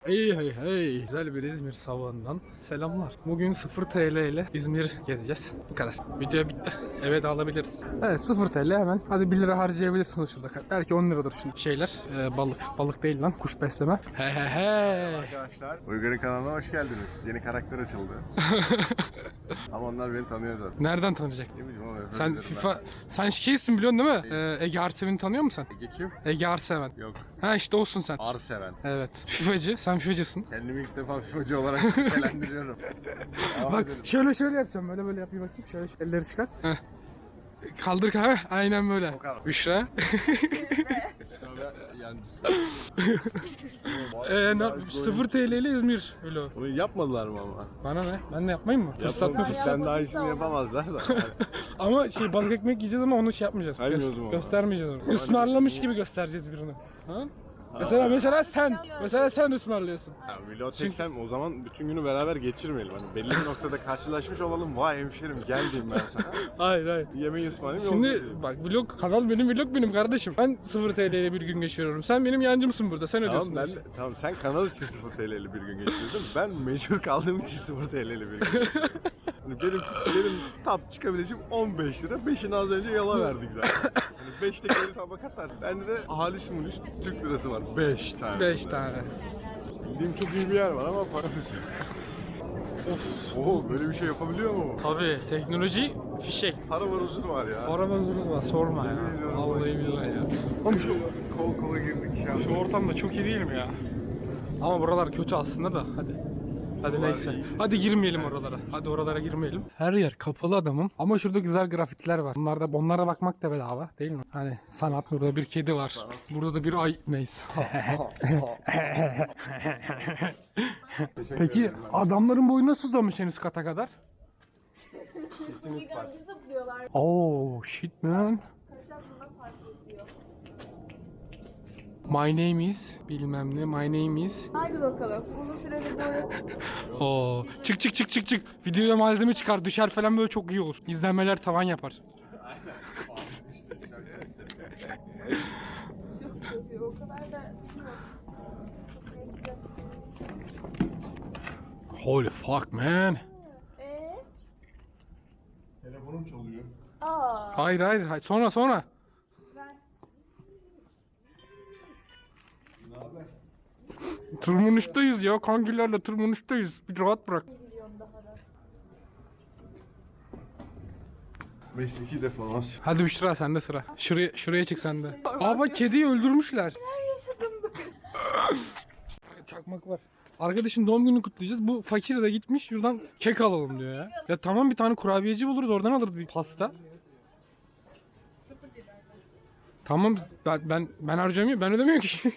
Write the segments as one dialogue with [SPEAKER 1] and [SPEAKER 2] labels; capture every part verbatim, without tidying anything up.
[SPEAKER 1] Hey hey hey. Güzel bir İzmir sabahından selamlar. Bugün sıfır T L ile İzmir gezeceğiz. Bu kadar. Video bitti. Eve de alabiliriz. Evet sıfır T L hemen. Hadi bir lira harcayabilirsiniz şurada. Belki on liradır şimdi şeyler. Ee, balık. Balık değil lan. Kuş besleme. He he he.
[SPEAKER 2] Arkadaşlar Uygar'ın kanalına hoş geldiniz. Yeni karakter açıldı. Ama onlar beni tanıyor zaten.
[SPEAKER 1] Nereden tanıyacak?
[SPEAKER 2] Ne bileyim ama
[SPEAKER 1] Sen FIFA... Ben. Sen şeysin biliyorsun değil mi? Ee, Ege Arseven'i tanıyor musun sen?
[SPEAKER 2] Ege kim?
[SPEAKER 1] Ege Arseven.
[SPEAKER 2] Yok.
[SPEAKER 1] Ha işte olsun sen.
[SPEAKER 2] Arseven.
[SPEAKER 1] Evet. FIFA'cı. Sen FIFA'cısın.
[SPEAKER 2] Kendimi ilk defa FIFA'cı olarak nitelendiriyorum.
[SPEAKER 1] Bak şöyle şöyle yapacağım. Böyle böyle yapayım bakayım. Şöyle elleri çıkar. Heh. Kaldır ha. Aynen böyle. Büşra.
[SPEAKER 2] Yancısı.
[SPEAKER 1] Eee sıfır T L ile İzmir öyle.
[SPEAKER 2] Bunu yapmadılar mı ama?
[SPEAKER 1] Bana ne? Ben de yapmayayım mı? Fırsat mı fırsat?
[SPEAKER 2] Sen daha iyisini yapamazlar da.
[SPEAKER 1] Ama şey balık ekmek yiyeceğiz ama onu şey yapmayacağız.
[SPEAKER 2] Saymıyoruz
[SPEAKER 1] Gö-
[SPEAKER 2] mu?
[SPEAKER 1] göstermeyeceğiz onu. Ismarlamış gibi göstereceğiz birini. Ha? Mesela mesela sen, mesela sen ısmarlıyorsun.
[SPEAKER 2] Ya, vlog çeksem o zaman bütün günü beraber geçirmeyelim. Hani belli bir noktada karşılaşmış olalım. Vay hemşerim gel diyeyim ben sana.
[SPEAKER 1] Hayır hayır.
[SPEAKER 2] Yemeği ısmarlayayım.
[SPEAKER 1] Şimdi bak vlog kanal benim, vlog benim kardeşim. Ben sıfır T L ile bir gün geçiriyorum. Sen benim yancımsın burada. Sen ödüyorsun.
[SPEAKER 2] Tamam, ben de, tamam sen kanal için sıfır T L'li bir gün geçirdim. Ben mecbur kaldığım için sıfır T L'li bir gün geçirdim. Hani benim, benim tap çıkabileceğim on beş lira. beşini az önce yala verdik zaten. Hani beş tekeri tabak atar. Bende de halis mulis Türk lirası var. beş tane.
[SPEAKER 1] beş tane.
[SPEAKER 2] Bildiğim çok iyi bir yer var ama para
[SPEAKER 1] Of.
[SPEAKER 2] Oo böyle bir şey yapabiliyor mu?
[SPEAKER 1] Tabii teknoloji fişek.
[SPEAKER 2] Para var uzun var ya.
[SPEAKER 1] Arabamız var sorma ya. Vallahi billahi ya. Oğlum şu,
[SPEAKER 2] Kol kola girdik ya.
[SPEAKER 1] şu ortam da çok iyi değil mi ya? Ama buralar kötü aslında da hadi. Hadi
[SPEAKER 2] Buralar
[SPEAKER 1] neyse.
[SPEAKER 2] iyi.
[SPEAKER 1] Hadi girmeyelim oralara. Hadi oralara girmeyelim. Her yer kapalı adamım. Ama şurada güzel grafitler var. Bunlar da onlara bakmak da bedava değil mi? Hani sanat, burada bir kedi var. Burada da bir ay neyse. Peki adamların boyu nasıl uzamış en üst kata kadar?
[SPEAKER 2] Kesinlikle var.
[SPEAKER 1] Oh shit man. My name is bilmem ne. My name is.
[SPEAKER 3] Hadi bakalım. Uzun süreli böyle
[SPEAKER 1] Oo. Çık çık çık çık çık. Videoya malzeme çıkar. Düşer falan böyle çok iyi olur. İzlenmeler tavan yapar.
[SPEAKER 3] çok çok iyi. O kadar da
[SPEAKER 1] Holy fuck man.
[SPEAKER 3] Eee?
[SPEAKER 2] Telefonum çalıyor.
[SPEAKER 3] Aa.
[SPEAKER 1] Hayır hayır. hayır. Sonra sonra.
[SPEAKER 3] Ben
[SPEAKER 1] Tırmanıştayız ya. Kankilerle tırmanıştayız. Bir rahat bırak.
[SPEAKER 3] biliyorum daha da.
[SPEAKER 2] Mesleki deformasyon.
[SPEAKER 1] Hadi Büşra sende sıra. Şuraya şuraya çık sende. Aa bak kediyi öldürmüşler. Çakmak var. Arkadaşın doğum gününü kutlayacağız. Bu fakir de gitmiş şuradan kek alalım diyor ya. Ya tamam bir tane kurabiyeci buluruz oradan alırız bir pasta. Tamam ben ben ben harcamıyorum ben ödemiyorum ki.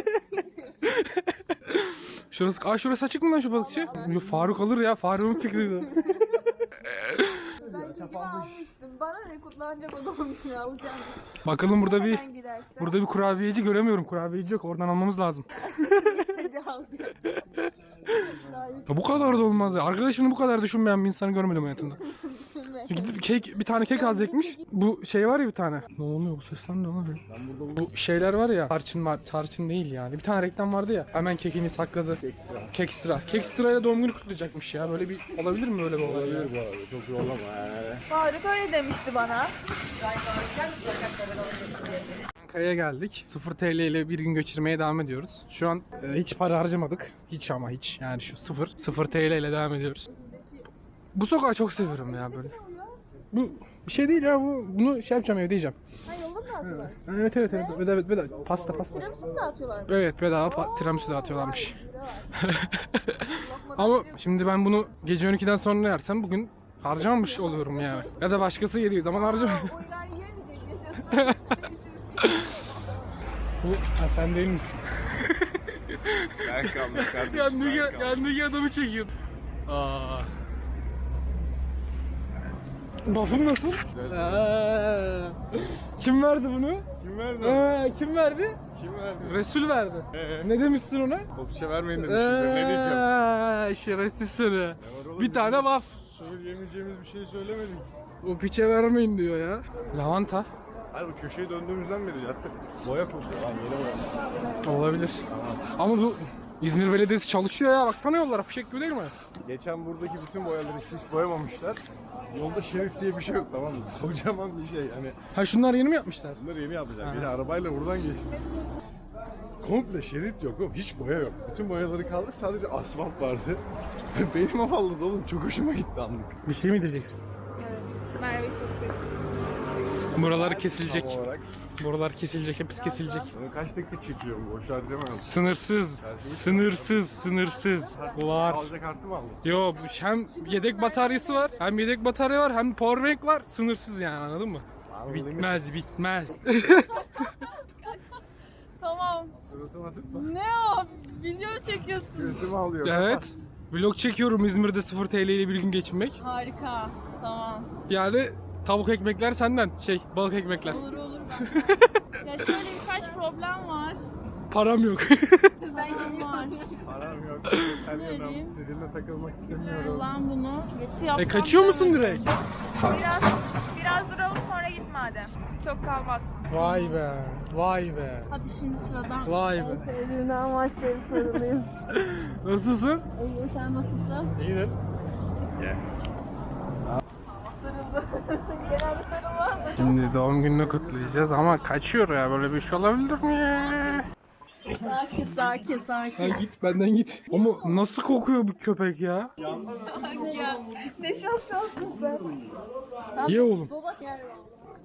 [SPEAKER 1] Şurası, aa şurası açık mı lan şu balıkçı? Yo, Faruk alır ya, Faruk'un fikriydi.
[SPEAKER 3] Ben kedimi almıştım. Bana ne kutlanacak o doğum günü alacağım.
[SPEAKER 1] Bakalım burada bir
[SPEAKER 3] Hemen gidersen.
[SPEAKER 1] burada bir kurabiyeci göremiyorum. Kurabiyeci yok. Oradan almamız lazım.
[SPEAKER 3] Hadi al.
[SPEAKER 1] Ya bu kadar da olmaz ya. Arkadaşını bu kadar düşünmeyen bir insanı görmedim hayatımda.
[SPEAKER 3] Düşünme.
[SPEAKER 1] Gidip kek, bir tane kek alacakmış. Bu şey var ya bir tane. Ne oluyor bu sesler ne oluyor? Bu şeyler var ya. Tarçın var. Tarçın değil yani. Bir tane reklam vardı ya. Hemen kekini sakladı.
[SPEAKER 2] Ekstra.
[SPEAKER 1] Kekstra. Kekstra ile doğum günü kutlayacakmış ya. Böyle bir olabilir mi böyle bir olay ya?
[SPEAKER 2] Olabilir bu arada. Çok yollama. Ee.
[SPEAKER 3] Faruk öyle demişti bana.
[SPEAKER 1] Ankara'ya geldik. sıfır T L ile bir gün geçirmeye devam ediyoruz. Şu an e, hiç para harcamadık. Hiç ama hiç. Yani şu sıfır. sıfır T L ile devam ediyoruz. Bu sokağı çok seviyorum ya böyle. Bu bir şey değil ya bu. Bunu şey yapacağım evde yiyeceğim.
[SPEAKER 3] Ha yolda mı dağıtıyorlar?
[SPEAKER 1] Evet evet evet. Bedava evet, bedava. Pasta pasta.
[SPEAKER 3] Tiramisu mu dağıtıyorlar?
[SPEAKER 1] Evet bedava pa- tiramisu dağıtıyorlarmış. Ama şimdi ben bunu gece on ikiden sonra yersem bugün harcamamış oluyorum yani. Ya da başkası yediği zaman harcamıyor.
[SPEAKER 3] Uygar yiyemeyecek yaşasın.
[SPEAKER 1] Bu ha, sen değil misin?
[SPEAKER 2] Ben kaldım kardeşim.
[SPEAKER 1] Yandaki,
[SPEAKER 2] ben kaldım.
[SPEAKER 1] yandaki adamı çekiyor. Aa. Buff'un nasıl? Aa. Kim verdi bunu?
[SPEAKER 2] Kim verdi?
[SPEAKER 1] Aa, kim verdi?
[SPEAKER 2] Kim verdi?
[SPEAKER 1] Resul verdi.
[SPEAKER 2] Ee?
[SPEAKER 1] Ne demişsin ona?
[SPEAKER 2] Kopça vermeyin demişimdir. Ne diyeceğim?
[SPEAKER 1] Aa, şerefsiz seni. Bir tane buff.
[SPEAKER 2] Söyleyemeyeceğimiz bir şey söylemedik.
[SPEAKER 1] O piçe vermeyin diyor ya. Lavanta.
[SPEAKER 2] Hayır bu köşeye döndüğümüzden beri zaten boya koşuyor lan yeni boya.
[SPEAKER 1] Olabilir. Ama bu İzmir Belediyesi çalışıyor ya. Baksana yollara. Fişek gibi değil mi?
[SPEAKER 2] Geçen buradaki bütün boyaları işte hiç boyamamışlar. Yolda şerit diye bir şey yok, tamam mı? Kocaman bir şey hani.
[SPEAKER 1] Ha şunlar yeni mi yapmışlar?
[SPEAKER 2] Bunları yeni yapacak.
[SPEAKER 1] Ha.
[SPEAKER 2] Bir de arabayla buradan geçti. Komple şerit yok oğlum. Hiç boya yok. Bütün boyaları kaldı. Sadece asfalt vardı. Benim havalı oğlum. Çok hoşuma gitti anlık.
[SPEAKER 1] Bir şey mi diyeceksin?
[SPEAKER 3] Evet. Merve'yi çok seviyorum.
[SPEAKER 1] Buralar kesilecek.
[SPEAKER 2] Tam olarak.
[SPEAKER 1] Buralar kesilecek. Hepsi kesilecek.
[SPEAKER 2] Bunu kaç dakika çekiyor bu? Boş harcamayalım.
[SPEAKER 1] Sınırsız. Sınırsız. Sınırsız. Var.
[SPEAKER 2] Alacak kartı mı aldın?
[SPEAKER 1] Yo hem yedek bataryası var. Hem yedek batarya var. Hem powerbank var. Sınırsız yani, anladın mı? Bitmez bitmez.
[SPEAKER 3] Tamam.
[SPEAKER 2] Suratıma tutma.
[SPEAKER 3] Ne o? Video çekiyorsun.
[SPEAKER 2] Gözümü alıyor.
[SPEAKER 1] Evet. Vlog çekiyorum İzmir'de sıfır T L ile bir gün geçinmek.
[SPEAKER 3] Harika. Tamam.
[SPEAKER 1] Yani tavuk ekmekler senden. Şey, balık ekmekler.
[SPEAKER 3] Olur olur ben. Ya şöyle birkaç problem var.
[SPEAKER 1] Param yok.
[SPEAKER 3] Ben gidiyorum.
[SPEAKER 2] Param yok. Her
[SPEAKER 3] Vereyim.
[SPEAKER 2] yanım. Sizinle takılmak istemiyorum.
[SPEAKER 3] Lan bunu. Geçti yapsam
[SPEAKER 1] E kaçıyor musun
[SPEAKER 3] da-
[SPEAKER 1] direkt?
[SPEAKER 4] Biraz biraz duralım sonra git madem. Çok kalmaz.
[SPEAKER 1] Vay be. Vay be.
[SPEAKER 3] Hadi şimdi sıradan.
[SPEAKER 1] Vay be.
[SPEAKER 3] Sevdiğimden başlayıp sarılayım.
[SPEAKER 1] Nasılsın?
[SPEAKER 3] İyi, sen nasılsın?
[SPEAKER 1] İyidir.
[SPEAKER 3] Sarıldı. Genelde sarılmaz da.
[SPEAKER 1] Şimdi doğum gününü kutlayacağız ama kaçıyor ya, böyle bir şey olabilir mi ya?
[SPEAKER 3] Sakin sakin sakin.
[SPEAKER 1] Ha git benden git. Ama nasıl kokuyor bu köpek ya?
[SPEAKER 3] Anne ya. Ne şapşalsın sen. Sen
[SPEAKER 1] Ye oğlum.
[SPEAKER 3] Dolak yer var.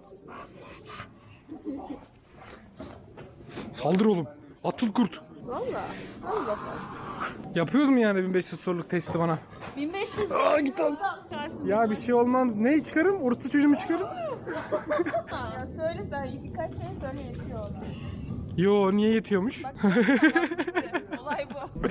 [SPEAKER 1] Saldır oğlum. Atıl kurt.
[SPEAKER 3] Valla. Allah.
[SPEAKER 1] Yapıyoruz mu yani bin beş yüz soruluk testi bana?
[SPEAKER 3] bin beş yüz.
[SPEAKER 1] Aa git al.
[SPEAKER 3] Çağırsın.
[SPEAKER 1] Ya bir şey olmaz. Neyi çıkarım? Orospu çocuğumu çıkarım.
[SPEAKER 3] Ya söyle sen birkaç şey söyle yetiyor ona.
[SPEAKER 1] Yo, niye yetiyormuş?
[SPEAKER 3] Bak, olay bu.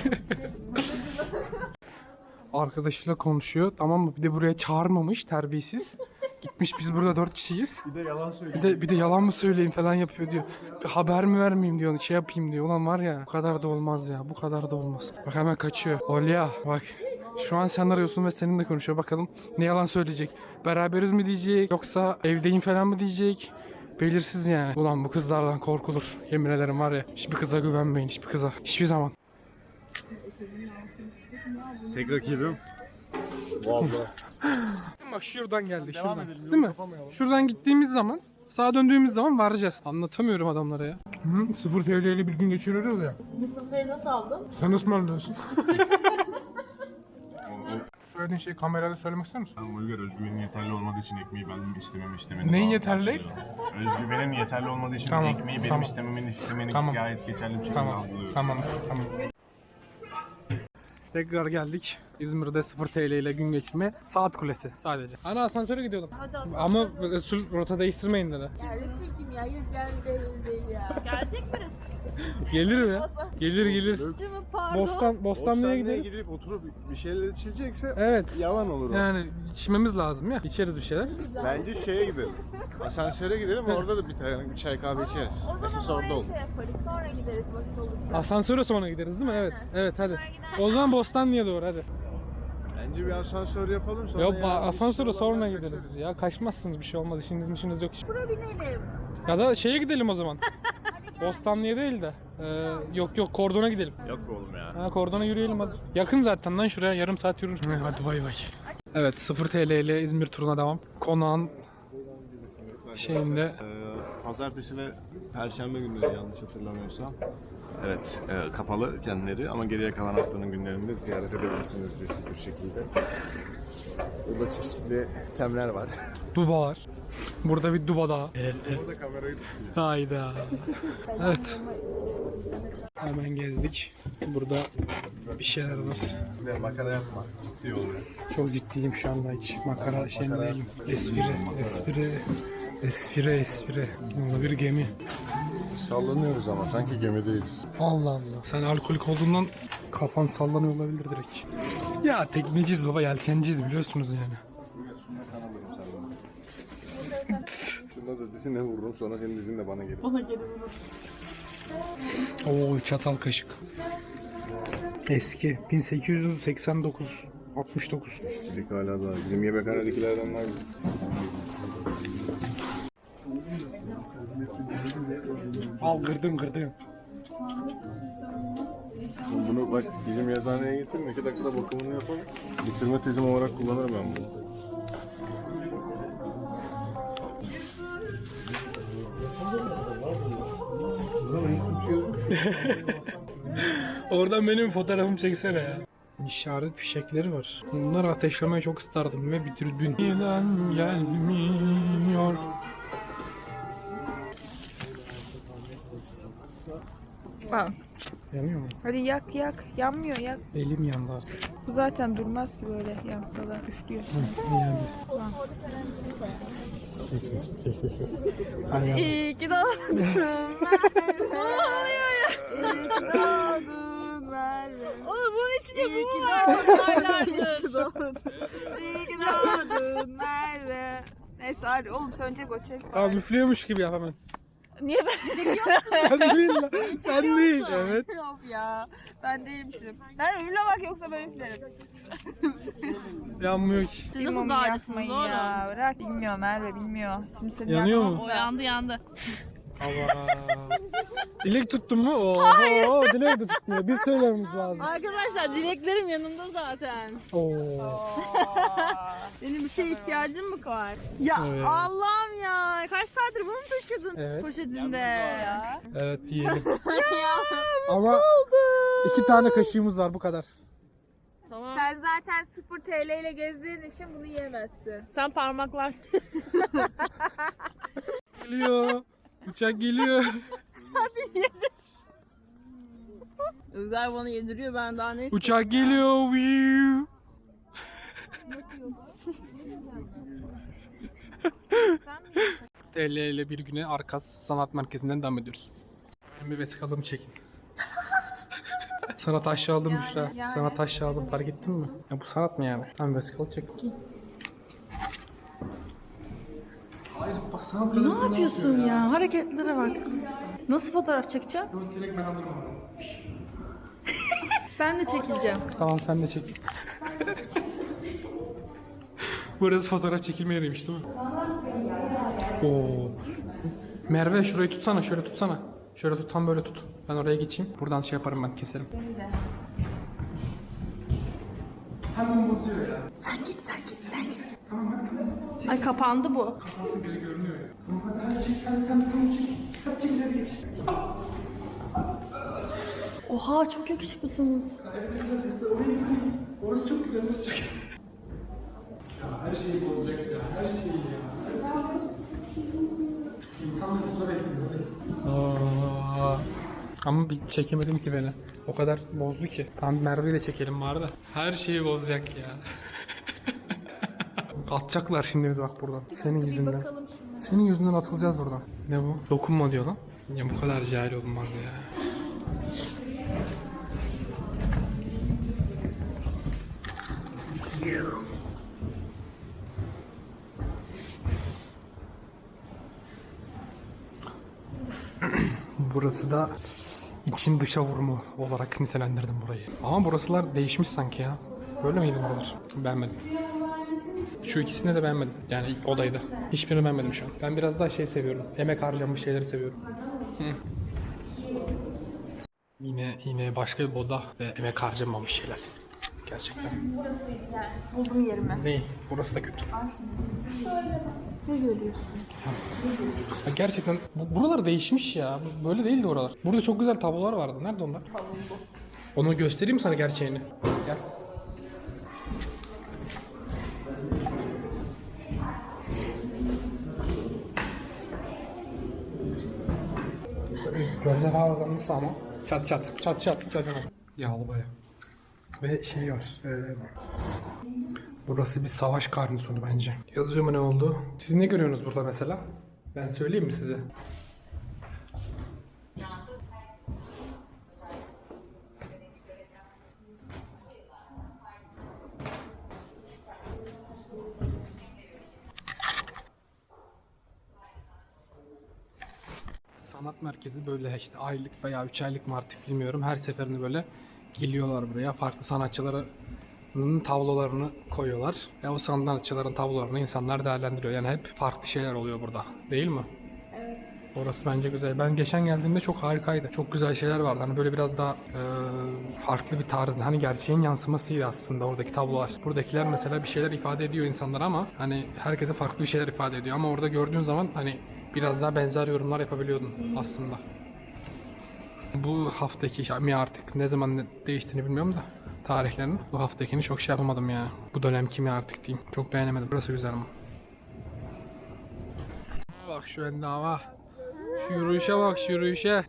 [SPEAKER 1] Arkadaşıyla konuşuyor, tamam mı? Bir de buraya çağırmamış, terbiyesiz. Gitmiş, biz burada dört kişiyiz.
[SPEAKER 2] Bir de yalan söylüyor.
[SPEAKER 1] Bir de bir de yalan mı söyleyeyim falan yapıyor diyor. Bir haber mi vermeyeyim diyor, şey yapayım diyor. Ulan var ya, bu kadar da olmaz ya, bu kadar da olmaz. Bak hemen kaçıyor. Olya bak. Şu an sen arıyorsun ve seninle konuşuyor. Bakalım ne yalan söyleyecek. Beraberiz mi diyecek, yoksa evdeyim falan mı diyecek. Belirsiz yani. Ulan bu kızlardan korkulur. Yemin ederim var ya. Hiçbir kıza güvenmeyin, hiçbir kıza. Hiçbir zaman.
[SPEAKER 2] Tek rakibim. Vallahi.
[SPEAKER 1] Bak şuradan geldi,
[SPEAKER 2] Devam
[SPEAKER 1] şuradan.
[SPEAKER 2] edelim,
[SPEAKER 1] Değil
[SPEAKER 2] yolu
[SPEAKER 1] mi?
[SPEAKER 2] kapamayalım.
[SPEAKER 1] Şuradan gittiğimiz zaman, sağa döndüğümüz zaman varacağız. Anlatamıyorum adamlara ya. Hı, sıfır T L ile bir gün geçiriyoruz ya.
[SPEAKER 3] Mısırları nasıl aldın?
[SPEAKER 1] Sen nasıl anlıyorsun? Söylediğin şeyi kamerada söylemek ister misin?
[SPEAKER 5] Ben Bulgar özgüvenin yeterli olmadığı için ekmeği benim istememi istemeni
[SPEAKER 1] Neyin
[SPEAKER 5] daha
[SPEAKER 1] yeterli değil?
[SPEAKER 5] karşılıyorum. Özgüvenin yeterli olmadığı için
[SPEAKER 1] Tamam,
[SPEAKER 5] ekmeği benim
[SPEAKER 1] tamam.
[SPEAKER 5] istememeni istemeni
[SPEAKER 1] Tamam.
[SPEAKER 5] gayet geçerli bir şekilde
[SPEAKER 1] Tamam,
[SPEAKER 5] algılıyorum.
[SPEAKER 1] tamam, tamam. Tekrar geldik. İzmir'de sıfır T L ile gün geçirmeye. Saat Kulesi sadece. Ana asansöre gidiyordum. Ama Resul rota değiştirmeyin dedi.
[SPEAKER 3] Ya Resul kim ya? Yürü gel değil değil ya.
[SPEAKER 4] Gelecek mi Resul?
[SPEAKER 1] Gelir mi? Gelir gelir.
[SPEAKER 3] Değil mi? Pardon.
[SPEAKER 1] Bostan, Bostanlı'ya
[SPEAKER 2] Bostanlı'ya
[SPEAKER 1] gideriz.
[SPEAKER 2] gidip oturup bir şeyler içilecekse
[SPEAKER 1] Evet.
[SPEAKER 2] yalan olur o.
[SPEAKER 1] Yani içmemiz lazım ya. İçeriz bir şeyler.
[SPEAKER 2] Bence şeye gidelim. Asansöre gidelim, orada da bir tane bir çay kahve içeriz.
[SPEAKER 3] O
[SPEAKER 2] Esas
[SPEAKER 3] zaman
[SPEAKER 2] orada
[SPEAKER 3] oraya
[SPEAKER 2] olur.
[SPEAKER 3] şey yaparız. Sonra gideriz vakit olursa.
[SPEAKER 1] Asansöre sonra gideriz değil mi? Evet. Evet hadi. O zaman Bostanlı'ya doğru hadi.
[SPEAKER 2] Bence bir asansör yapalım sonra.
[SPEAKER 1] Yok
[SPEAKER 2] ya,
[SPEAKER 1] asansöre
[SPEAKER 2] bir şey
[SPEAKER 1] sonra
[SPEAKER 2] olan
[SPEAKER 1] gideriz
[SPEAKER 2] kaçarız.
[SPEAKER 1] ya. Kaçmazsınız, bir şey olmaz. İşiniz işiniz yok.
[SPEAKER 3] Bura binelim.
[SPEAKER 1] Ya da şeye gidelim o zaman.
[SPEAKER 3] Hadi gel.
[SPEAKER 1] Bostanlı'ya değil de. Ee, yok yok Kordon'a gidelim.
[SPEAKER 2] Yok be oğlum ya.
[SPEAKER 1] Ha Kordon'a yürüyelim hadi. Yakın zaten lan şuraya, yarım saat yürürüz. Hadi bay bay. Evet sıfır T L ile İzmir turuna devam. Konağın şeyinde.
[SPEAKER 2] Ee, Pazartesi ve Perşembe günleri yanlış hatırlamıyorsam. Evet, e, kapalı kendileri ama geriye kalan haftanın günlerinde ziyaret edebilirsiniz ücretsiz bir şekilde. Burada çeşitli temler var.
[SPEAKER 1] Duba var. Burada bir duba daha.
[SPEAKER 2] Burada kamerayı tutuyor.
[SPEAKER 1] Hayda. Evet. Hemen gezdik. Burada bir şeyler var.
[SPEAKER 2] Bir de makara yapma. Ciddi oluyor.
[SPEAKER 1] Çok ciddiyim şu anda, hiç makara şeyinde değilim. Espri, espri, espri, espri. Burada bir gemi.
[SPEAKER 2] Sallanıyoruz ama sanki gemideyiz.
[SPEAKER 1] Allah Allah. Sen alkolik olduğundan kafan sallanıyor olabilir direkt. Ya tekneciyiz baba, yelkenciyiz biliyorsunuz yani.
[SPEAKER 2] Şunda da dizine vururum, sonra senin dizin de bana gelir.
[SPEAKER 1] Oo çatal kaşık. Eski bin sekiz yüz seksen dokuz altmış dokuz.
[SPEAKER 2] Dedik hala daha. Bizim yemekhanedekilerden var mı?
[SPEAKER 1] Al kırdım kırdım.
[SPEAKER 2] Bunu bak bizim yazıhaneye getirin, iki dakikada bakımını yapalım. Bitirme tezim olarak kullanırım ben bunu.
[SPEAKER 1] Oradan benim fotoğrafımı çeksene ya. İşaret fişekleri var. Bunları ateşlemeye çok isterdim ve bitirdim. Neden gelmiyor?
[SPEAKER 3] Al.
[SPEAKER 1] Yanıyor mu?
[SPEAKER 3] Hadi yak yak. Yanmıyor yak.
[SPEAKER 1] Elim yandı artık.
[SPEAKER 3] Bu zaten durmaz ki böyle yansa da üflüyor.
[SPEAKER 1] Hı, yandı. Ay, yandı.
[SPEAKER 3] İyi ki doğdun Merve. Ne oluyor ya? İyi ki doğdun Merve. Oğlum bunun içinde bu mu var? İyi ki doğdun. İyi ki doğdun Merve. Neyse hadi oğlum sönecek o çek.
[SPEAKER 1] Abi üflüyormuş gibi yap hemen.
[SPEAKER 3] Niye ben çekiyor musun?
[SPEAKER 1] Sen değil lan. Sen değil. Evet.
[SPEAKER 3] Yok ya. Ben değilmişim. Ben üflemek yoksa ben üflerim.
[SPEAKER 1] Yanmıyor ki.
[SPEAKER 3] Siz
[SPEAKER 6] nasıl
[SPEAKER 3] mum
[SPEAKER 6] dağılıyorsunuz
[SPEAKER 3] yakmayın
[SPEAKER 6] oğlum?
[SPEAKER 3] ya. Bırak. Bilmiyor Merve bilmiyor. Şimdi seni
[SPEAKER 1] Yanıyor
[SPEAKER 3] yakmam
[SPEAKER 1] mu?
[SPEAKER 3] da.
[SPEAKER 6] O yandı yandı.
[SPEAKER 1] Allah. Dilek tuttun mu? Oo, dilek de tutmuyor. Biz söylememiz lazım.
[SPEAKER 6] Arkadaşlar dileklerim yanımda zaten.
[SPEAKER 1] Oo.
[SPEAKER 6] Benim bir şeye ihtiyacım mı var? Ya
[SPEAKER 1] Evet.
[SPEAKER 6] Allah'ım ya. Kaç saattir bunu mu taşıyordun
[SPEAKER 1] Evet.
[SPEAKER 6] poşetinde?
[SPEAKER 1] Evet yiyelim. Ama iki tane kaşığımız var bu kadar.
[SPEAKER 6] Tamam.
[SPEAKER 3] Sen zaten sıfır T L ile gezdiğin için bunu yiyemezsin.
[SPEAKER 6] Sen parmaklarsın.
[SPEAKER 1] Geliyor. Uçak geliyor.
[SPEAKER 6] Uygar bana yediriyor ben daha ne
[SPEAKER 1] Uçak geliyor. Viu. T L ile bir güne Arkas Sanat Merkezi'nden devam ediyoruz. Ben bir vesikalımı çekin. Sana taş aldım Büşra.
[SPEAKER 3] yani.
[SPEAKER 1] Sana taş aldım fark ettin mi? Ya bu sanat mı yani? Tamam vesikalı çek. Hayır bak sanat
[SPEAKER 6] Ne yapıyorsun ya? Hareketlere bak. Nasıl fotoğraf çekeceğim?
[SPEAKER 1] Direkt ben alırım onu.
[SPEAKER 6] Ben de çekileceğim.
[SPEAKER 1] Tamam sen de çek. Burası fotoğraf çekilme yeriymiş değil mi? Oo. Merve şurayı tutsana, şöyle tutsana. Şöyle tut, tam böyle tut. Ben oraya geçeyim. Buradan şey yaparım ben, keserim. Hemen bozuyor ya.
[SPEAKER 6] Ay kapandı bu.
[SPEAKER 1] Nasıl biri görünüyor ya. Tamam hadi hadi çek, hadi sen bunu çek. Hadi çek ileri geç.
[SPEAKER 6] Oha çok yakışıklısınız.
[SPEAKER 1] Evet evet orası oraya gitmeyin. Orası çok güzel, orası çok güzel. Ya her şey bozacak ya, her şey ya. İnsanlar sıra bekliyor. Aa, ama bir çekemedim ki beni. O kadar bozdu ki. Tam Merve'yi de çekelim bari da. Her şeyi bozacak ya. Atacaklar şimdi biz bak buradan. Senin yüzünden. Senin yüzünden atılacağız buradan. Ne bu? Dokunma diyor lan. Ya bu kadar cahil olmaz ya. Burası da için dışa vurumu olarak nitelendirdim burayı. Ama burasılar değişmiş sanki ya. Böyle miydi buralar? Beğenmedim. Şu ikisini de beğenmedim. Yani odayı da. Hiçbirini beğenmedim şu an. Ben biraz daha şey seviyorum. Emek harcanmış şeyleri seviyorum. Hı. Yine yine başka bir oda ve emek harcanmamış şeyler. Gerçekten.
[SPEAKER 3] Buldum yerimi.
[SPEAKER 1] Değil. Burası da kötü.
[SPEAKER 3] Ne görüyorsun?
[SPEAKER 1] Ya gerçekten bu- buralar değişmiş ya. Böyle değildi oralar. Burada çok güzel tablolar vardı. Nerede onlar? Onu göstereyim mi sana gerçeğini? Gel. Görsel hafızamız ama çat çat çat çat çat çat. Yağlı baya. Ve şey var. E, burası bir savaş karnisonu bence. Yazıyor mu ne oldu? Siz ne görüyorsunuz burada mesela? Ben söyleyeyim mi size? Sanat merkezi böyle işte aylık veya üç aylık mı artık bilmiyorum. Her seferinde böyle geliyorlar buraya. Farklı sanatçıların tablolarını koyuyorlar. Ve o sanatçıların tablolarını insanlar değerlendiriyor. Yani hep farklı şeyler oluyor burada. Değil mi?
[SPEAKER 3] Evet.
[SPEAKER 1] Orası bence güzel. Ben geçen geldiğimde çok harikaydı. Çok güzel şeyler vardı. Hani böyle biraz daha e, farklı bir tarzda. Hani gerçeğin yansımasıydı aslında oradaki tablolar. Buradakiler mesela bir şeyler ifade ediyor insanlara ama hani herkese farklı bir şeyler ifade ediyor. Ama orada gördüğün zaman hani biraz daha benzer yorumlar yapabiliyordun aslında. Bu haftaki mi artık ne zaman ne değiştiğini bilmiyorum da tarihlerini. Bu haftakini çok şey yapamadım ya. Bu dönemki mi artık diyeyim. Çok beğenemedim. Burası güzel ama. Bak şu endama. Şu yürüyüşe bak, şu yürüyüşe.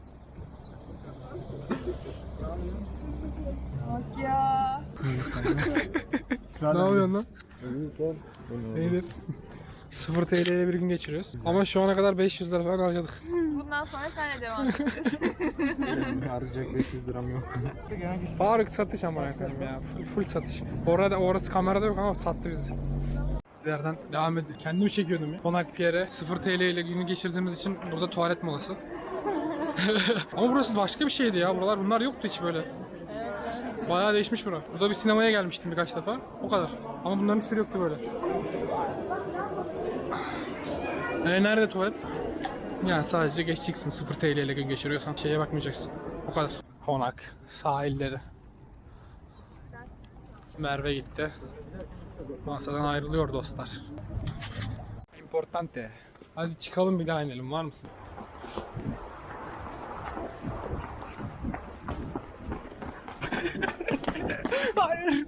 [SPEAKER 4] Bak ya.
[SPEAKER 1] Ne yapıyorsun lan? İyidir. sıfır T L ile bir gün geçiriyoruz. Ama şu ana kadar beş yüz lira falan harcadık.
[SPEAKER 4] Bundan sonra senle devam edeceğiz.
[SPEAKER 1] Harcayacak beş yüz liram yok. Faruk satış ama efendim ya. Full, full satış. Orada orası kamerada yok ama sattı bizi. Yerden devam edin. Kendimi çekiyordum ya. Konak Pierre sıfır T L ile günü geçirdiğimiz için burada tuvalet molası. Ama burası başka bir şeydi ya. Buralar bunlar yoktu hiç böyle. Bayağı değişmiş bura. Burada bir sinemaya gelmiştim birkaç defa. O kadar. Ama bunların hiçbiri yoktu böyle. E nerede tuvalet? Yani sadece geçeceksin. sıfır T L ile gün geçiriyorsan şeye bakmayacaksın. O kadar. Konak, sahilleri. Merve gitti. Masadan ayrılıyor dostlar. Importante. Hadi çıkalım bir daha inelim. Var mısın? Hayır.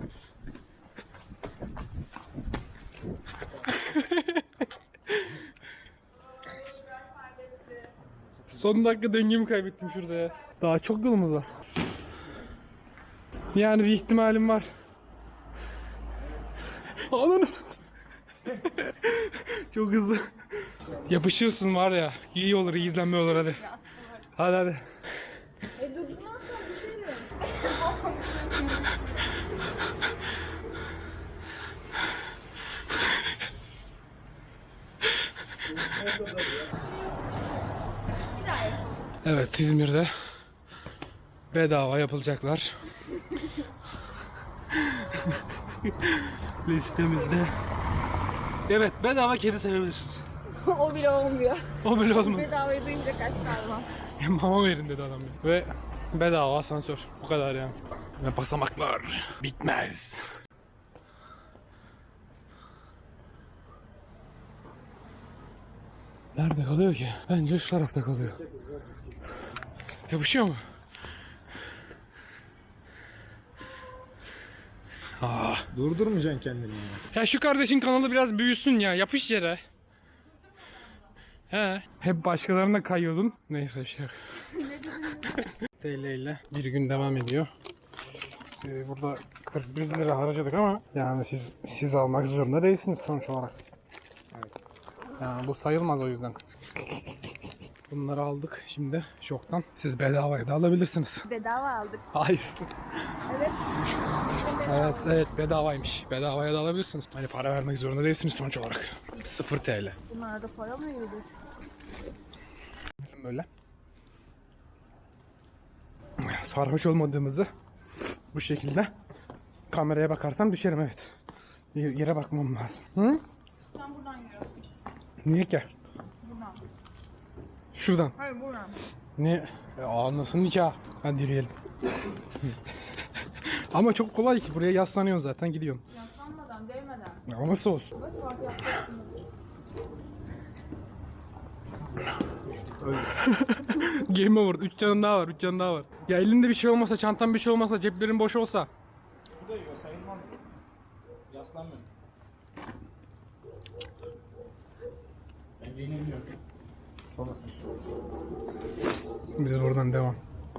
[SPEAKER 1] Son dakika dengemi kaybettim şurada ya. Daha çok yolumuz var. Yani bir ihtimalim var. Ananı satayım. Çok hızlı. Yapışırsın var ya. İyi olur, iyi izlenme olur hadi. Hadi hadi.
[SPEAKER 4] E dokunmazsan düşerim. Bir daha yapalım.
[SPEAKER 1] Evet, İzmir'de bedava yapılacaklar. Listemizde. Evet, bedava kedi sevebilirsiniz.
[SPEAKER 4] O bile olmuyor.
[SPEAKER 1] O bile olmadı.
[SPEAKER 4] Bedavayı duyunca kaç tane var?
[SPEAKER 1] Mama verin dedi adam ya. Ve bedava asansör. Bu kadar yani. Ve basamaklar bitmez. Nerede kalıyor ki? Bence şu tarafta kalıyor. Yapışıyor mu? Aa.
[SPEAKER 5] Durdurmayacaksın kendini.
[SPEAKER 1] Ya şu kardeşin kanalı biraz büyüsün ya. Yapış yere. He. Hep başkalarına kayıyordun. Neyse bir şey yok. T L ile bir gün devam ediyor. Ee, burada kırk bir lira harcadık ama yani siz siz almak zorunda değilsiniz sonuç olarak. Evet. Yani bu sayılmaz o yüzden. Bunları aldık şimdi şoktan. Siz bedavaya da alabilirsiniz.
[SPEAKER 4] Bedava aldık.
[SPEAKER 1] Hayır.
[SPEAKER 4] Evet.
[SPEAKER 1] Evet evet bedavaymış. Bedavaya da alabilirsiniz. Hani para vermek zorunda değilsiniz sonuç olarak. sıfır T L.
[SPEAKER 4] Bunlarda para mı yürüdü?
[SPEAKER 1] Böyle. Sarhoş olmadığımızı bu şekilde kameraya bakarsam düşerim evet. Y- Yere bakmam lazım. Hı?
[SPEAKER 4] Sen buradan yürü.
[SPEAKER 1] Niye ki?
[SPEAKER 4] Buradan.
[SPEAKER 1] Şuradan.
[SPEAKER 4] Hayır buradan.
[SPEAKER 1] Niye? E, aa nasıl nikah? Hadi yürüyelim. Ama çok kolay ki buraya yaslanıyorsun zaten gidiyorsun.
[SPEAKER 4] Yaslanmadan, değmeden.
[SPEAKER 1] Ya nasıl olsun?
[SPEAKER 4] Bak bak yapacaksın.
[SPEAKER 1] Game over. üç canın daha var. üç canın daha var. Ya elinde bir şey olmasa, çantan bir şey olmasa, ceplerin boş olsa.
[SPEAKER 5] Bu da yiyor sayılmaz. Yaslanmıyorum. Ben yenilmiyorum.
[SPEAKER 1] Biz buradan devam.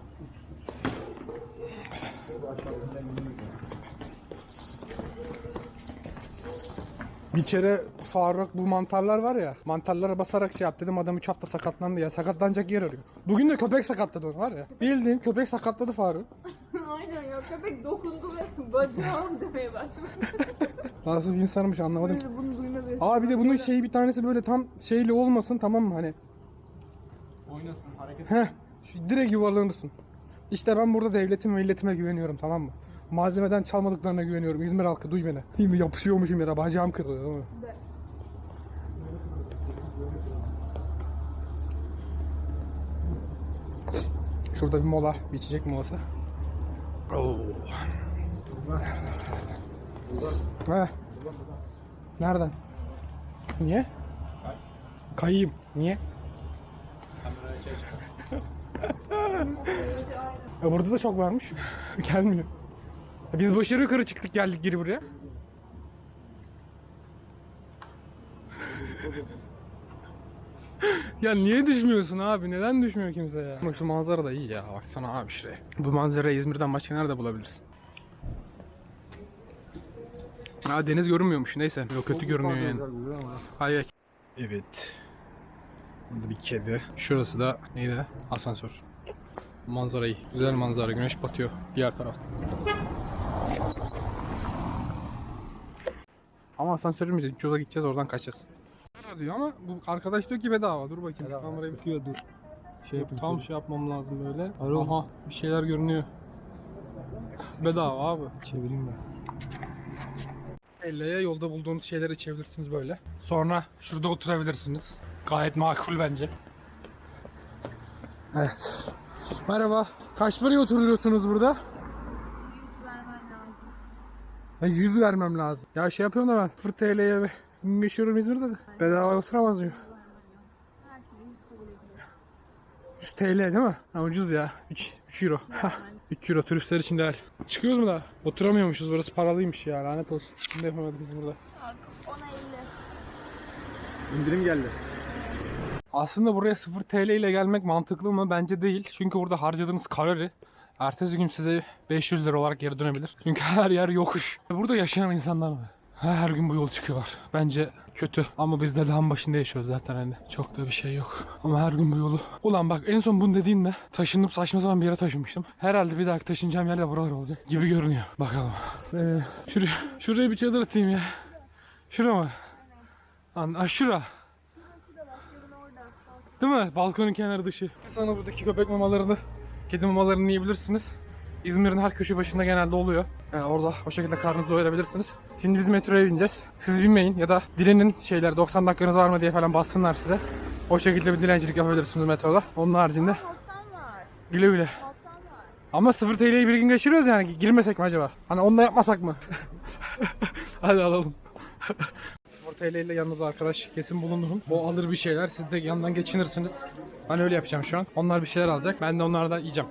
[SPEAKER 1] Bir kere Faruk bu mantarlar var ya, mantarlara basarak şey yap dedim, adam üç hafta sakatlandı ya, sakatlanacak yer arıyor. Bugün de köpek sakatladı onu var ya. Bildiğin köpek sakatladı Faruk.
[SPEAKER 4] Aynen ya köpek dokundu ve bacağım demeye başladı.
[SPEAKER 1] Nasıl bir insanmış anlamadım ki.
[SPEAKER 4] Bunu duymadı.
[SPEAKER 1] Aa bir de bunun şeyi bir tanesi böyle tam şeyli olmasın tamam mı hani.
[SPEAKER 5] Oynasın, hareket
[SPEAKER 1] Heh, şu direkt yuvarlanırsın. İşte ben burada devletime milletime güveniyorum tamam mı? Malzemeden çalmadıklarına güveniyorum. İzmir halkı duy beni. Değil mi? Yapışıyormuşum yere. Bacağım kırılıyor değil mi? Şurada bir mola, bir içecek molası. Oo. Heh. Nereden? Niye? Kayayım. Niye? Ya burada da çok varmış. Gelmiyor. Ya biz başarı yukarı çıktık, geldik geri buraya. Ya niye düşmüyorsun abi? Neden düşmüyor kimse ya? Ama şu manzara da iyi ya. Baksana abi şuraya. Bu manzarayı İzmir'den başka nerede bulabilirsin? Ha, deniz görünmüyormuş. Neyse. Yok, kötü görünüyor yani. Hayır. Evet. Burada bir kedi. Şurası da neydi? Asansör. Manzara iyi. Güzel manzara. Güneş batıyor diğer taraf. Ama asansörümüz yok. Yola gideceğiz, oradan kaçacağız. Diyor ama bu arkadaş diyor ki bedava. Dur bakayım. Kamerayı tutuyor, dur. Şey yapayım. Tam şey yapmam lazım böyle. Aha, bir şeyler görünüyor. Bedava abi. Çevireyim ben. elliye yolda bulduğunuz şeyleri içebilirsiniz böyle. Sonra şurada oturabilirsiniz. Gayet makul bence. Evet. Merhaba. Kaç paraya oturuyorsunuz burada?
[SPEAKER 4] yüz vermen lazım.
[SPEAKER 1] Ya yüz vermem lazım. Ya şey yapıyorum da ben sıfır T L'ye meşhurum İzmir'de de. Bedava oturamaz mıyım?
[SPEAKER 4] Herkese yüz kabul ediyor.
[SPEAKER 1] yüz T L değil mi? Ha, ucuz ya. üç euro. üç euro turistler için değil. Çıkıyoruz mu daha? Oturamıyormuşuz, burası paralıymış ya, lanet olsun. Şimdi yapamadık biz burada.
[SPEAKER 4] Bak ona elli.
[SPEAKER 2] İndirim geldi.
[SPEAKER 1] Aslında buraya sıfır T L ile gelmek mantıklı mı? Bence değil. Çünkü burada harcadığınız kalori ertesi gün size beş yüz lira olarak geri dönebilir. Çünkü her yer yokuş. Burada yaşayan insanlar var. Her gün bu yol çıkıyorlar. Bence kötü. Ama biz de dağın başında yaşıyoruz zaten hani. Çok da bir şey yok. Ama her gün bu yolu. Ulan bak, en son bunu dediğimde taşınıp saçma sapan bir yere taşınmıştım. Herhalde bir dahaki taşınacağım yer de buralar olacak gibi görünüyor. Bakalım. Ee, şuraya, şuraya bir çadır atayım ya. Şura mı? Lan, ah, şura. Değil mi? Balkonun kenarı dışı. Sonra buradaki köpek mamalarını, kedi mamalarını yiyebilirsiniz. İzmir'in her köşe başında genelde oluyor. Yani orada o şekilde karnınızı doyurabilirsiniz. Şimdi biz metroya bineceğiz. Siz binmeyin ya da dilenin, şeyler doksan dakikanız var mı diye falan bassınlar size. O şekilde bir dilencilik yapabilirsiniz metroda. Onun haricinde
[SPEAKER 4] Toptan var.
[SPEAKER 1] güle güle.
[SPEAKER 4] Toptan var.
[SPEAKER 1] Ama sıfır T L'yi bir gün geçiriyoruz yani, girmesek mi acaba? Hani onu da yapmasak mı? Hadi alalım. sıfır T L ile yanınızda arkadaş kesin bulundurum. O alır bir şeyler, siz de yandan geçinirsiniz. Ben öyle yapacağım şu an. Onlar bir şeyler alacak. Ben de onlardan yiyeceğim.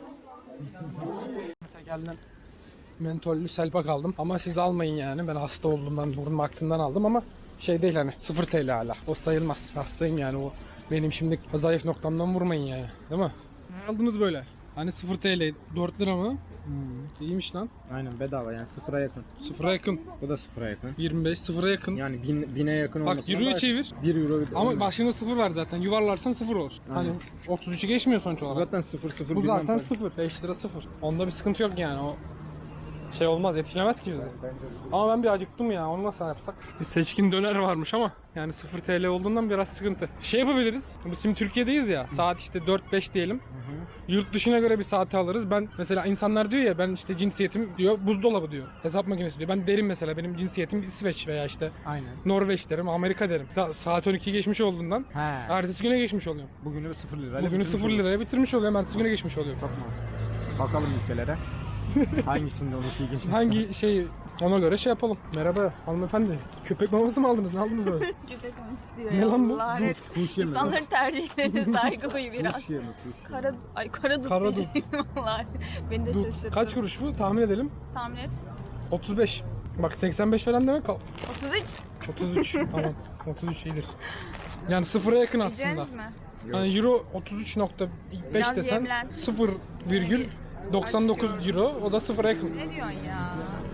[SPEAKER 1] Tekelden mentollü selpak aldım. Ama siz almayın yani. Ben hasta olduğumdan, burnum aktığından aldım ama şey değil hani, sıfır T L hala. O sayılmaz. Hastayım yani, o benim şimdi zayıf noktamdan vurmayın yani. Değil mi? Ne aldınız böyle? Hani sıfır T L, dört lira mı? Hmm. İyiymiş lan.
[SPEAKER 5] Aynen bedava yani sıfıra yakın.
[SPEAKER 1] Sıfıra yakın.
[SPEAKER 5] Bu da sıfıra yakın.
[SPEAKER 1] yirmi beş, sıfıra yakın.
[SPEAKER 5] Yani bin, bine yakın
[SPEAKER 1] Bak
[SPEAKER 5] olmasına
[SPEAKER 1] euroya
[SPEAKER 5] da-
[SPEAKER 1] çevir.
[SPEAKER 5] bir euro bir de.
[SPEAKER 1] Ama başında sıfır var zaten. Yuvarlarsan sıfır olur. Hani
[SPEAKER 5] Aynen.
[SPEAKER 1] otuz üçü geçmiyor sonuç olarak.
[SPEAKER 5] Zaten sıfır sıfır
[SPEAKER 1] Bu
[SPEAKER 5] bilmem
[SPEAKER 1] zaten
[SPEAKER 5] kaç.
[SPEAKER 1] sıfır. beş lira sıfır. Onda bir sıkıntı yok yani. O şey olmaz, etkilemez ki bizi. Ama ben bir acıktım ya. Onu nasıl yapsak? Bir seçkin döner varmış ama yani sıfır T L olduğundan biraz sıkıntı. Şey yapabiliriz. Biz şimdi Türkiye'deyiz ya. Saat işte dört beş diyelim. Yurt dışına göre bir saati alırız. Ben mesela, insanlar diyor ya, ben işte cinsiyetim diyor buzdolabı diyor. Hesap makinesi diyor. Ben derim mesela, benim cinsiyetim İsveç veya işte
[SPEAKER 5] Aynen.
[SPEAKER 1] Norveç derim, Amerika derim. Sa- saat on iki geçmiş olduğundan
[SPEAKER 5] He.
[SPEAKER 1] ertesi güne geçmiş oluyorum.
[SPEAKER 5] Bugünü sıfır lirayla
[SPEAKER 1] Bugünü
[SPEAKER 5] bitirmiş
[SPEAKER 1] sıfır
[SPEAKER 5] oluruz.
[SPEAKER 1] liraya bitirmiş oluyorum. Ertesi güne geçmiş oluyor.
[SPEAKER 5] Çok mantıklı. Bakalım ülkelere. Hangisinde onu iyi geçmiş?
[SPEAKER 1] Hangi şey, ona göre şey yapalım. Merhaba hanımefendi. Köpek maması mı aldınız? Ne aldınız böyle?
[SPEAKER 4] Köpek onu istiyor
[SPEAKER 1] Ne
[SPEAKER 4] ya.
[SPEAKER 1] lan bu?
[SPEAKER 4] Allah
[SPEAKER 5] Kuş,
[SPEAKER 4] evet.
[SPEAKER 5] kuş yeme.
[SPEAKER 4] İnsanların tercihlerine saygı duy biraz.
[SPEAKER 5] Kuş yeme, kuş yeme.
[SPEAKER 4] Kara, ay kara dut
[SPEAKER 1] Kara
[SPEAKER 4] değil. Vallahi beni de
[SPEAKER 1] Dur,
[SPEAKER 4] şaşırttı.
[SPEAKER 1] kaç kuruş bu? Tahmin edelim.
[SPEAKER 4] Tahmin et.
[SPEAKER 1] otuz beş. Bak seksen beş falan demek.
[SPEAKER 4] otuz üç.
[SPEAKER 1] otuz üç. Tamam. otuz üç iyidir. Yani sıfıra yakın aslında.
[SPEAKER 4] Yiyeceğiz mi?
[SPEAKER 1] Yani euro otuz üç nokta beş
[SPEAKER 4] Biraz
[SPEAKER 1] desen
[SPEAKER 4] yemlen.
[SPEAKER 1] sıfır virgül doksan dokuz euro, o da sıfıra yakın.
[SPEAKER 4] Ne diyorsun ya?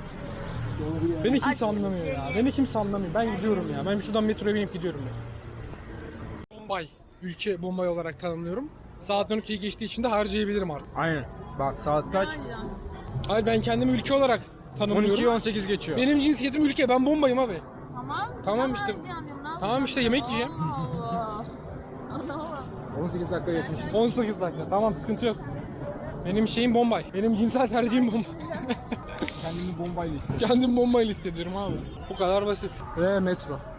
[SPEAKER 1] Beni kimse
[SPEAKER 4] Aç.
[SPEAKER 1] anlamıyor ya. Beni kimse anlamıyor. Ben gidiyorum ya. Ben şuradan metroya binip gidiyorum ya. Bombay. Ülke Bombay olarak tanımlıyorum. Saat on ikiyi geçtiği için de harcayabilirim artık.
[SPEAKER 5] Aynen. Bak saat kaç?
[SPEAKER 1] Hayır, ben kendimi ülke olarak tanımlıyorum.
[SPEAKER 5] on ikiyi on sekiz geçiyor.
[SPEAKER 1] Benim cinsiyetim ülke. Ben Bombay'ım abi.
[SPEAKER 4] Tamam.
[SPEAKER 1] Tamam işte. Tamam işte, yemek yiyeceğim.
[SPEAKER 4] Allah. Allah.
[SPEAKER 5] on sekiz dakika geçmiş.
[SPEAKER 1] on sekiz dakika. Tamam, sıkıntı yok. Benim şeyim Bombay. Benim cinsel tercihim Bombay.
[SPEAKER 5] Kendimi bombayla hissediyorum.
[SPEAKER 1] Kendim Bombay'la hissediyorum abi. Bu kadar basit. Ve metro.